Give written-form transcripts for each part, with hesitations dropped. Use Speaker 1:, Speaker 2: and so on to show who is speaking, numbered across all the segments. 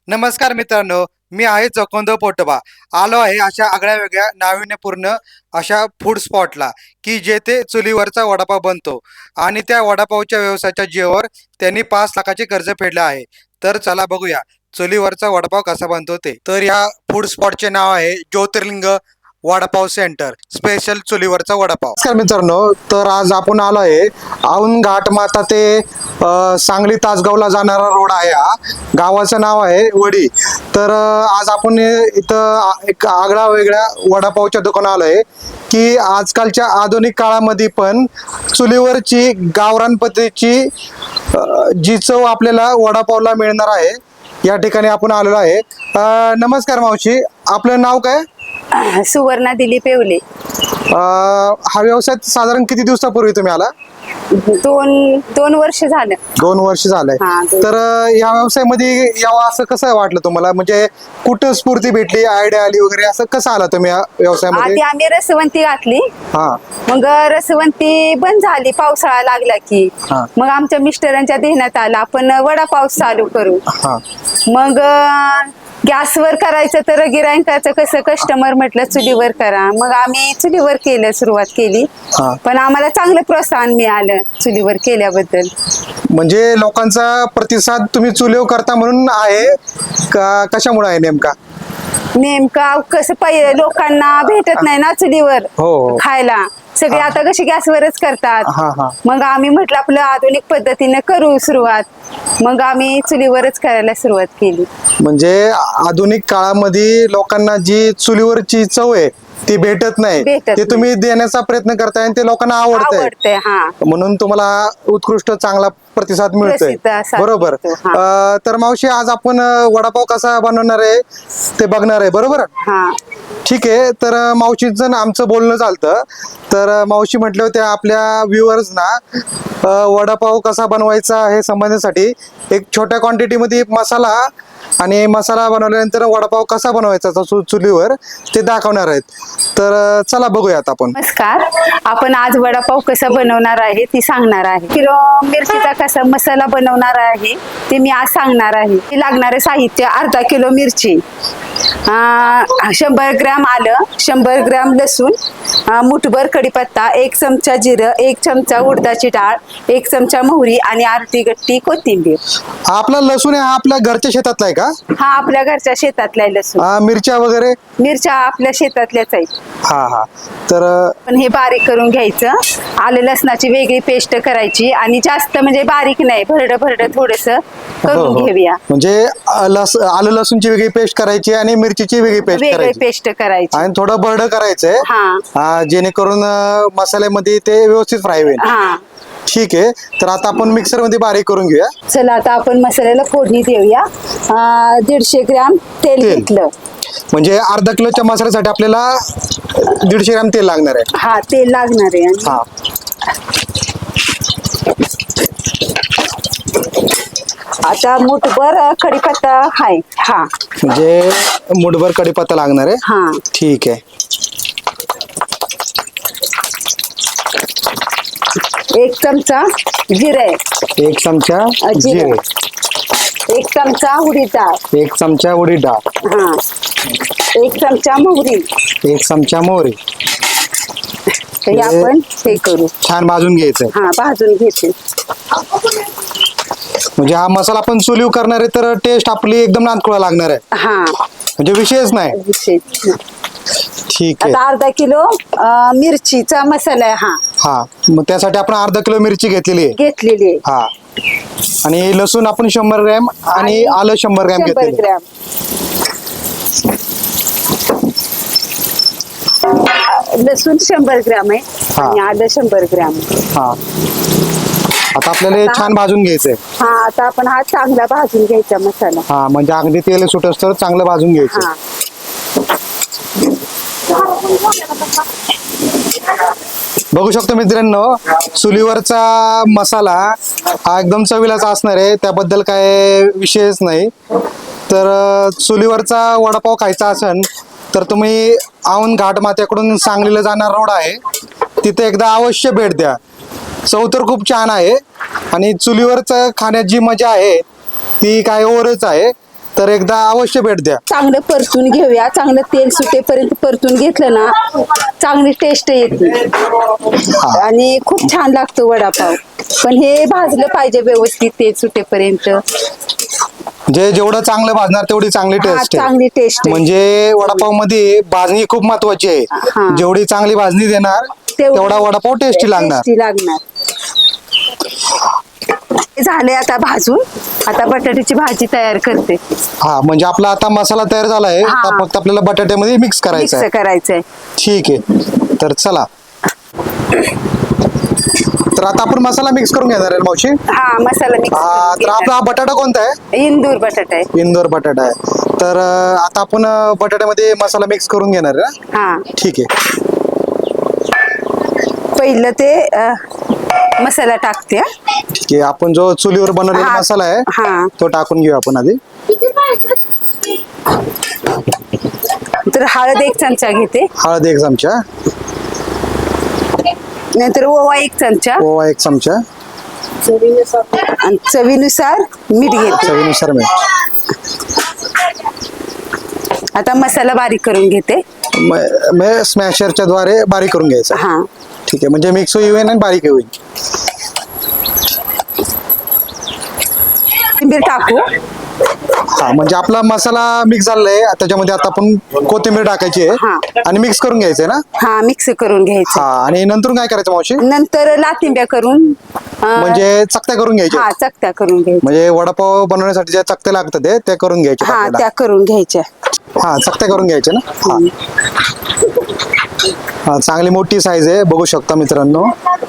Speaker 1: नमस्कार मित्रांनो, मी आहे चकोंद पोटोबा. आलो आहे अशा आगळ्या वेगळ्या नाविन्यपूर्ण अशा फूड स्पॉटला, की जेथे चुलीवरचा वडापाव बनतो आणि त्या वडापावच्या व्यवसायाच्या जीवावर त्यांनी 5 लाखाचे कर्ज फेडले आहे. तर चला बघूया चुलीवरचा वडापाव कसा बनतो ते. तर या फूड स्पॉटचे नाव आहे ज्योतिर्लिंग वडापाव सेंटर, स्पेशल चुलीवरचा वडापाव. नमस्कार मित्रांनो, तर आज आपण आलो आहे औंध घाट माता ते सांगली तासगावला जाणारा रोड आहे. हा गावाचं नाव आहे वडी. तर आज आपण इथं एक आगळा वेगळ्या वडापावच्या दुकानात आलो आहे, की आजकालच्या आधुनिक काळामध्ये पण चुलीवरची गावरान पद्धतीची जी चव आपल्याला वडापावला मिळणार आहे, या ठिकाणी आपण आलेलो आहे. नमस्कार मावशी, आपलं नाव काय?
Speaker 2: सुवर्णा दिलीप येवले.
Speaker 1: हा व्यवसाय साधारण किती दिवसापूर्वी तुम्ही आला?
Speaker 2: दोन वर्ष झालं.
Speaker 1: 2 वर्ष झालंय.
Speaker 2: हा, 2.
Speaker 1: तर या व्यवसायामध्ये यावं असं कसं वाटलं तुम्हाला? म्हणजे कुठं स्फूर्ती भेटली, आयडिया आली वगैरे, असं कसं आला तुम्ही या व्यवसायामध्ये?
Speaker 2: आधी आम्ही रसवंती घातली.
Speaker 1: हा
Speaker 2: मग रसवंती बंद झाली, पावसाळा लागला की.
Speaker 1: हा.
Speaker 2: मग आमच्या मिस्टरांच्या ध्येयात आला आपण वडापाव चालू करू.
Speaker 1: हा
Speaker 2: मग गॅसवर करायचं तर गिरायकाचं कसं, कस्टमर म्हटलं चुलीवर करा. मग आम्ही चुलीवर केलं, सुरुवात केली.
Speaker 1: हा.
Speaker 2: पण आम्हाला चांगलं प्रोत्साहन मिळालं चुलीवर केल्याबद्दल.
Speaker 1: म्हणजे लोकांचा प्रतिसाद तुम्ही चुलीवर करता म्हणून आहे का, कशामुळे आहे नेमका?
Speaker 2: नेमका कसं पाहिजे, लोकांना भेटत नाही ना चुलीवर
Speaker 1: हो.
Speaker 2: खायला. सगळे आता कशी गॅसवरच करतात.
Speaker 1: हा हा.
Speaker 2: मग आम्ही म्हटलं आपलं आधुनिक पद्धतीने करू सुरुवात. मग आम्ही चुलीवरच करायला सुरुवात केली.
Speaker 1: म्हणजे आधुनिक काळामध्ये लोकांना जी चुलीवरची चव आहे ती भेटत नाही,
Speaker 2: भेटत
Speaker 1: ते तुम्ही देण्याचा प्रयत्न करताय आणि ते लोकांना आवडतंय.
Speaker 2: आवडते. हा,
Speaker 1: म्हणून तुम्हाला उत्कृष्ट चांगला प्रतिसाद मिळतोय.
Speaker 2: प्रसिद्ध असा
Speaker 1: बरोबर.
Speaker 2: मिळतो,
Speaker 1: तर मावशी, आज आपण वडापाव कसा बनवणार आहे ते बघणार आहे, बरोबर?
Speaker 2: हा.
Speaker 1: ठीक आहे. तर मावशीचं आमचं बोलणं चालतं. तर मावशी म्हटलं होत्या आपल्या व्ह्युअर्सना वडापाव कसा बनवायचा हे समजण्यासाठी एक छोट्या क्वांटिटीमध्ये मसाला आणि मसाला बनवल्यानंतर वडापाव कसा बनवायचा चुलीवर ते दाखवणार आहेत. तर चला बघूयात आपण.
Speaker 2: नमस्कार, आपण आज वडापाव कसा बनवणार आहे ती सांगणार आहे. किलो मिरचीचा कसा मसाला बनवणार आहे ते मी आज सांगणार आहे. लागणारे साहित्य: अर्धा किलो मिरची, 100 ग्रॅम आलं, 100 ग्रॅम लसूण, मुठभर कढीपत्ता, 1 चमचा जिरं, 1 चमचा उडदाची डाळ, 1 चमचा मोहरी आणि अर्धी गट्टी कोथिंबीर.
Speaker 1: आपला लसूण आहे, हा आपल्या घरच्या शेतातला आहे का?
Speaker 2: हा, आपल्या घरच्या शेतातला आहे लसूण.
Speaker 1: मिरच्या वगैरे?
Speaker 2: मिरच्या आपल्या शेतातल्याच आहेत.
Speaker 1: हा हा. तर
Speaker 2: पण हे बारीक करून घ्यायचं. आलं लसणाची वेगळी पेस्ट करायची आणि जास्त म्हणजे बारीक नाही, भरड थोडस करून घेऊया.
Speaker 1: म्हणजे आलं लसूणची वेगळी पेस्ट करायची आणि मिरचीची वेगळी पेस्ट
Speaker 2: वेगळी
Speaker 1: करायची
Speaker 2: पेस्ट करायची
Speaker 1: आणि थोडं भरड करायचंय,
Speaker 2: हा.
Speaker 1: जेणेकरून मसाल्यामध्ये ते व्यवस्थित फ्राय होईल.
Speaker 2: हा.
Speaker 1: ठीक आहे. तर आता आपण मिक्सर मध्ये बारीक करून घेऊया.
Speaker 2: चला आता आपण मसाल्याला फोडणी देऊया. 150 ग्रॅम तेल घेतलं.
Speaker 1: म्हणजे अर्धा किलोच्या मसाल्यासाठी आपल्याला 150 ग्रॅम तेल लागणार आहे.
Speaker 2: हा, तेल लागणार आहे.
Speaker 1: हा.
Speaker 2: आता मुठभर कढीपत्ता आहे. हा,
Speaker 1: म्हणजे मुठभर कढीपत्ता लागणार आहे.
Speaker 2: हा.
Speaker 1: ठीक आहे.
Speaker 2: 1 चमचा जिरे,
Speaker 1: 1 चमचा जिरे,
Speaker 2: 1 चमचा उडीद डाळ,
Speaker 1: 1 चमचा उडीद डाळ,
Speaker 2: हा, 1 चमचा मोहरी.
Speaker 1: 1 चमचा मोहरी.
Speaker 2: हे आपण हे करू.
Speaker 1: छान भाजून घ्यायचंय.
Speaker 2: हा, भाजून घेते.
Speaker 1: म्हणजे हा मसाला आपण चुलीवर करणार आहे तर टेस्ट आपली एकदम नातकुळा लागणार आहे.
Speaker 2: हा,
Speaker 1: म्हणजे विषयच नाही.
Speaker 2: विशेष.
Speaker 1: ठीक आहे.
Speaker 2: आता अर्धा किलो मिरचीचा मसाला आहे. हा,
Speaker 1: हा, मग त्यासाठी आपण अर्धा किलो मिरची घेतलेली आहे.
Speaker 2: घेतलेली आहे.
Speaker 1: हा. आणि लसूण आपण 100 ग्रॅम आणि आलं 100 ग्रॅम
Speaker 2: 100
Speaker 1: घेतलेलं.
Speaker 2: ग्रॅम. लसूण 100 ग्रॅम आहे आणि आलं 100 ग्रॅम.
Speaker 1: हा. आता आपल्याला हे छान भाजून घ्यायचंय.
Speaker 2: हा, आता आपण हा चांगला भाजून घ्यायचा मसाला.
Speaker 1: हा, म्हणजे अगदी तेल सुटस तर चांगलं भाजून घ्यायचं.
Speaker 2: हा.
Speaker 1: बघू शकतो मित्रांनो, चुलीवरचा मसाला हा एकदम चवीलाचा असणार आहे, त्याबद्दल काय विषयच नाही. तर चुलीवरचा वडापाव खायचा असेल तर तुम्ही औंध घाट मात्याकडून सांगलीला जाणार रोड आहे, तिथे एकदा अवश्य भेट द्या. चव तर खूप छान आहे आणि चुलीवरच खाण्यात जी मजा आहे ती काय ओरच आहे. तर एकदा अवश्य भेट द्या.
Speaker 2: चांगलं परतून घेऊया, चांगलं तेल सुटेपर्यंत परतून घेतलं ना चांगली टेस्ट येते आणि खूप छान लागतो वडापाव. पण हे भाजलं पाहिजे व्यवस्थित तेल सुटेपर्यंत.
Speaker 1: जे जेवढं चांगलं भाजणार तेवढी चांगली
Speaker 2: हा,
Speaker 1: टेस्ट
Speaker 2: चांगली टेस्ट आहे.
Speaker 1: म्हणजे वडापाव मध्ये भाजणी खूप महत्वाची आहे.
Speaker 2: हा.
Speaker 1: जेवढी चांगली भाजणी देणार तेवढा वडापाव टेस्टी लागणार.
Speaker 2: टेस्टी लागणार. झाले आता भाजून, आता बटाट्याची भाजी तयार करते.
Speaker 1: हा म्हणजे आपला आता मसाला तयार झालाय.
Speaker 2: हा.
Speaker 1: आता फक्त आपल्याला बटाट्यामध्ये मिक्स करायचा
Speaker 2: मिक्स
Speaker 1: आहे.
Speaker 2: करायचंय.
Speaker 1: ठीक आहे, तर चला. तर आता आपण मसाला मिक्स करून घेणार आहे मावशी.
Speaker 2: हा, मसाला मिक्स
Speaker 1: तर आपला हा बटाटा कोणता आहे?
Speaker 2: इंदूर बटाटा आहे.
Speaker 1: इंदोर बटाटा आहे. तर आता आपण बटाट्यामध्ये मसाला मिक्स करून घेणार आहे ना?
Speaker 2: हा,
Speaker 1: ठीक आहे.
Speaker 2: पहिलं ते मसाला टाकते. हा.
Speaker 1: ठीक आहे, आपण जो चुलीवर बनवलेला
Speaker 2: हा.
Speaker 1: मसाला आहे
Speaker 2: हा.
Speaker 1: तो टाकून घेऊ आपण आधी.
Speaker 2: तर हळद 1 चमचा घेते,
Speaker 1: हळद 1 चमचा,
Speaker 2: नंतर ओवा 1 चमचा
Speaker 1: ओवा 1 चमचा,
Speaker 2: आणि चवीनुसार मीठ घेते.
Speaker 1: चवीनुसार मीठ.
Speaker 2: आता मसाला बारीक करून घेते.
Speaker 1: स्मॅशरच्या द्वारे बारीक करून घ्यायचा.
Speaker 2: हा,
Speaker 1: ठीक आहे, म्हणजे मिक्स होईल आणि बारीक होईल.
Speaker 2: कोथिंबीर टाकू.
Speaker 1: हा म्हणजे आपला मसाला मिक्स झालेला आहे. त्याच्यामध्ये आता आपण कोथिंबीर टाकायची
Speaker 2: हा.
Speaker 1: आहे आणि मिक्स करून घ्यायचंय ना?
Speaker 2: हा, मिक्स करून घ्यायचं.
Speaker 1: हा, आणि नंतर काय करायचं मावशी?
Speaker 2: नंतर लाथिंब्या करून
Speaker 1: म्हणजे चकत्या करून घ्यायच्या.
Speaker 2: हा, चकत्या करून घ्यायच्या.
Speaker 1: म्हणजे वडापाव बनवण्यासाठी ज्या चकत्या लागतात त्या करून घ्यायच्या
Speaker 2: हा,
Speaker 1: आपल्याला.
Speaker 2: त्या करून घ्यायच्या.
Speaker 1: हा, चकत्या करून घ्यायच्या ना? हा. हा, चांगली मोठी साईज आहे, बघू शकता मित्रांनो.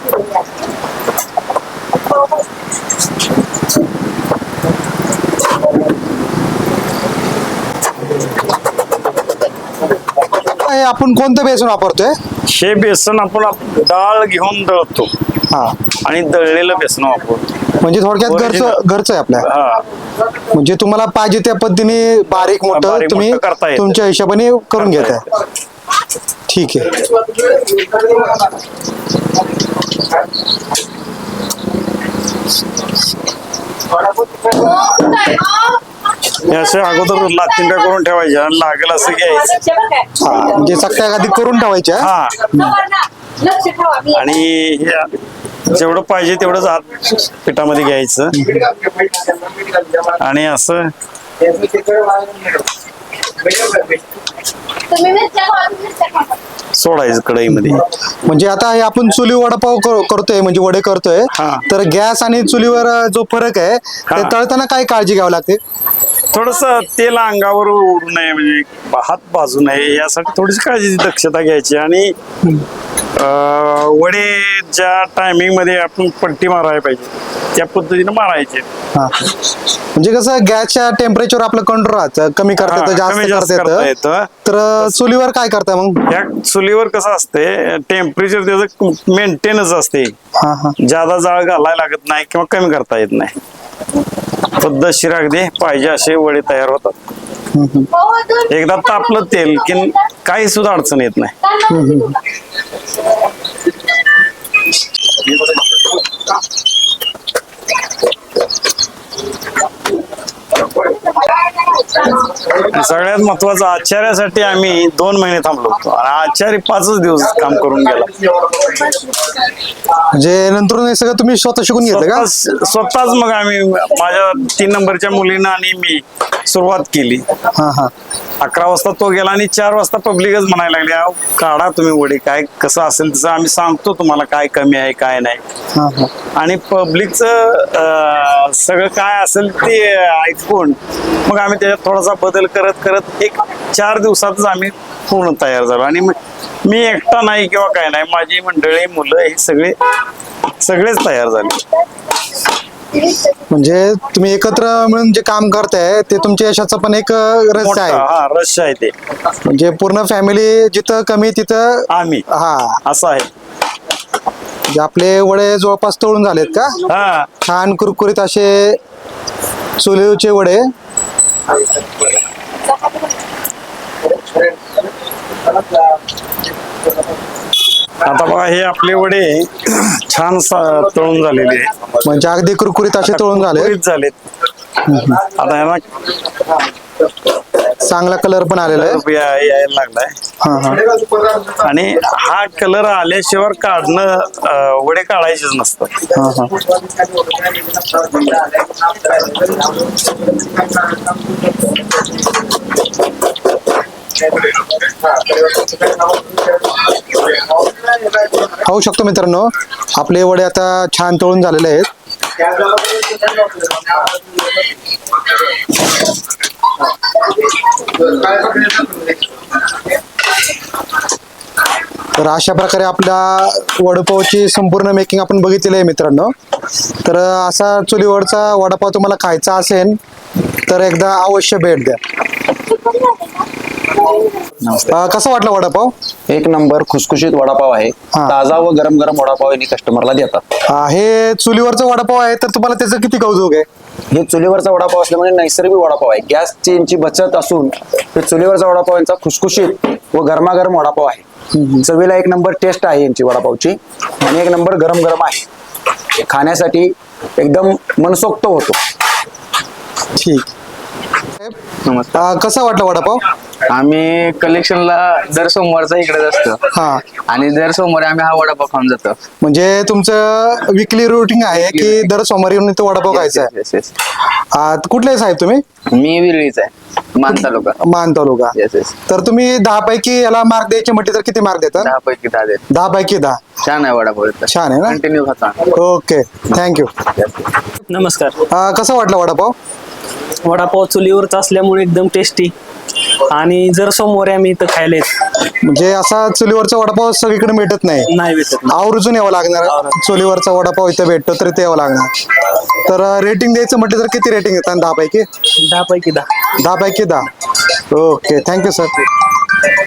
Speaker 1: हे आपण कोणतं बेसन वापरतोय?
Speaker 3: हे बेसन आपण डाळ घेऊन दळतो
Speaker 1: हा,
Speaker 3: आणि दळलेलं बेसन वापरतो.
Speaker 1: म्हणजे थोडक्यात घरचं आहे आपल्या.
Speaker 3: हा,
Speaker 1: म्हणजे तुम्हाला पाहिजे त्या पद्धतीने बारीक मोठं
Speaker 3: बारीक
Speaker 1: तुम्ही
Speaker 3: मोठं करता येतं.
Speaker 1: तुमच्या हिशोबाने करून घेताय. ठीक आहे.
Speaker 3: हे असे अगोदर लाथिंब्या करून ठेवायच्या आणि लागेल असं घ्यायचं.
Speaker 1: हा, म्हणजे चकत्या आधी करून ठेवायच्या.
Speaker 3: हा, आणि हे जेवढं पाहिजे तेवढंच आत पिठामध्ये घ्यायचं आणि असं सोडायचं कढईमध्ये.
Speaker 1: म्हणजे आता हे आपण चुली वडापाव करतोय, म्हणजे वडे करतोय.
Speaker 3: हा.
Speaker 1: तर गॅस आणि चुलीवर जो फरक आहे ते
Speaker 3: हा.
Speaker 1: तळताना काय काळजी घ्यावी लागते?
Speaker 3: थोडस तेल अंगावर उडू नये, म्हणजे हात भाजू नये यासाठी थोडीशी काळजी दक्षता घ्यायची. आणि वडे ज्या टायमिंग मध्ये आपण पट्टी मारायला पाहिजे त्या पद्धतीने मारायचे.
Speaker 1: हा. म्हणजे कसं गॅसच्या टेम्परेचर आपलं कंट्रोल राहतं, कमी करता येतं,
Speaker 3: कमी
Speaker 1: जास्त
Speaker 3: जास्त
Speaker 1: करता
Speaker 3: करता
Speaker 1: येतं.
Speaker 3: येतं.
Speaker 1: तर चुलीवर काय करता मग?
Speaker 3: या चुलीवर कसं असते, टेम्परेचर त्याचं मेंटेनच असते.
Speaker 1: हा हा.
Speaker 3: ज्यादा जाळ घालायला लागत नाही किंवा कमी करता येत नाही. पद्धतशीर अगदी पाहिजे असे वडे तयार होतात. एकदा तापलं तेल की काही सुद्धा अडचण येत नाही. आणि सगळ्यात महत्वाचं, आचार्यासाठी आम्ही 2 महिने थांबलो होतो आणि आचार्य 5च दिवस काम करून गेला.
Speaker 1: म्हणजे नंतर हे सगळं तुम्ही स्वतः शिकून घेतलं का?
Speaker 3: स्वतःच मग आम्ही, माझ्या 3 नंबरच्या मुलीनं आणि मी सुरुवात केली.
Speaker 1: हा हा.
Speaker 3: 11 वाजता तो गेला आणि 4 वाजता पब्लिकच म्हणायला लागले, "अहो, काढा तुम्ही वडे, काय कसं असेल तसं आम्ही सांगतो तुम्हाला काय कमी आहे काय नाही."
Speaker 1: हा हा.
Speaker 3: आणि पब्लिकचं सगळं काय असेल ते ऐकून मग आम्ही त्याच्यात थोडासा बदल करत करत 4 दिवसातच आम्ही पूर्ण तयार झालो. आणि मी एकटा नाही किंवा काय नाही, माझी मंडळी, मुलं हे सगळेच तयार झाले.
Speaker 1: म्हणजे तुम्ही एकत्र मिळून जे काम करताय ते तुमच्या यशाचं पण एक रहस्य आहे.
Speaker 3: हा, रहस्य आहे ते.
Speaker 1: म्हणजे पूर्ण फॅमिली जिथं कमी तिथं
Speaker 3: आम्ही
Speaker 1: हा.
Speaker 3: असं आहे.
Speaker 1: म्हणजे आपले वडे जवळपास तळून झालेत का?
Speaker 3: हा,
Speaker 1: छान कुरकुरीत असे चुलीवरचे वडे.
Speaker 3: आता बघा हे आपले वडे छान तळून झालेले आहे.
Speaker 1: म्हणजे अगदी कुरकुरीत असे तळून झाले.
Speaker 3: झालेत. आता ह्याला
Speaker 1: चांगला कलर पण आलेला आहे.
Speaker 3: यायला लागलाय.
Speaker 1: हा हा
Speaker 3: आणि हा कलर आल्याशिवाय काढणं वडे काढायचेच नसतात.
Speaker 1: हा हा. पाहू शकतो मित्रांनो, आपले वडे आता छान तळून झालेले आहेत. तर अशा प्रकारे आपल्या वडापावची संपूर्ण मेकिंग आपण बघितलेली आहे मित्रांनो. तर असा चुलीवरचा वडापाव तुम्हाला खायचा असेल तर एकदा अवश्य भेट द्या. कसा वाटला वडापाव?
Speaker 4: एक नंबर खुसखुशीत वडापाव आहे.
Speaker 1: हा.
Speaker 4: ताजा व गरम गरम वडापाव यांनी कस्टमरला देतात.
Speaker 1: हे चुलीवरचा वडापाव आहे तर तुम्हाला त्याचं किती कौतुक आहे?
Speaker 4: हे चुलीवरचा वडापाव असल्यामुळे नैसर्गिक वडापाव आहे. गॅसची यांची बचत असून हे चुलीवरचा वडापाव यांचा खुसखुशीत व गरमागरम वडापाव आहे. चवीला एक नंबर टेस्ट आहे यांची वडापावची आणि एक नंबर गरम गरम आहे. खाण्यासाठी एकदम मनसोक्त होतो.
Speaker 1: ठीक. कसा वाटला वडापाव?
Speaker 5: आम्ही कलेक्शनला दर सोमवारचा इकडेच असतो
Speaker 1: हा,
Speaker 5: आणि दर सोमवारी आम्ही हा वडापाव खाऊन जातो.
Speaker 1: म्हणजे तुमचं विकली रुटीन आहे की दर सोमवारी येऊन इथं वडापाव खायचा आहे?
Speaker 5: Yes, yes.
Speaker 1: कुठले साहेब तुम्ही?
Speaker 5: मी विरळीच आहे, मान तालुका.
Speaker 1: मान तालुका.
Speaker 5: Yes yes.
Speaker 1: तर तुम्ही 10 पैकी याला मार्क द्यायचे म्हटले तर किती मार्क देतात?
Speaker 5: 10 पैकी 10 देत.
Speaker 1: 10 पैकी 10.
Speaker 5: छान आहे वडापाव इथला.
Speaker 1: छान आहे ना?
Speaker 5: कंटिन्यू खाता.
Speaker 1: Okay, thank you.
Speaker 6: नमस्कार.
Speaker 1: कसा वाटला वडापाव?
Speaker 6: वडापाव चुलीवरचा असल्यामुळे एकदम टेस्टी आणि जर सोमवारी आम्ही इथं खायला येत
Speaker 1: म्हणजे असा चुलीवरचा वडापाव सगळीकडे भेटत नाही,
Speaker 6: नाही भेटत.
Speaker 1: आवर्जून यावं लागणार. चुलीवरचा वडापाव इथं भेटतो तरी ते यावं लागणार. तर रेटिंग द्यायचं म्हटलं तर किती रेटिंग देतात? 10 पैकी
Speaker 6: 10 पैकी 10.
Speaker 1: 10 पैकी 10. Okay, thank you sir.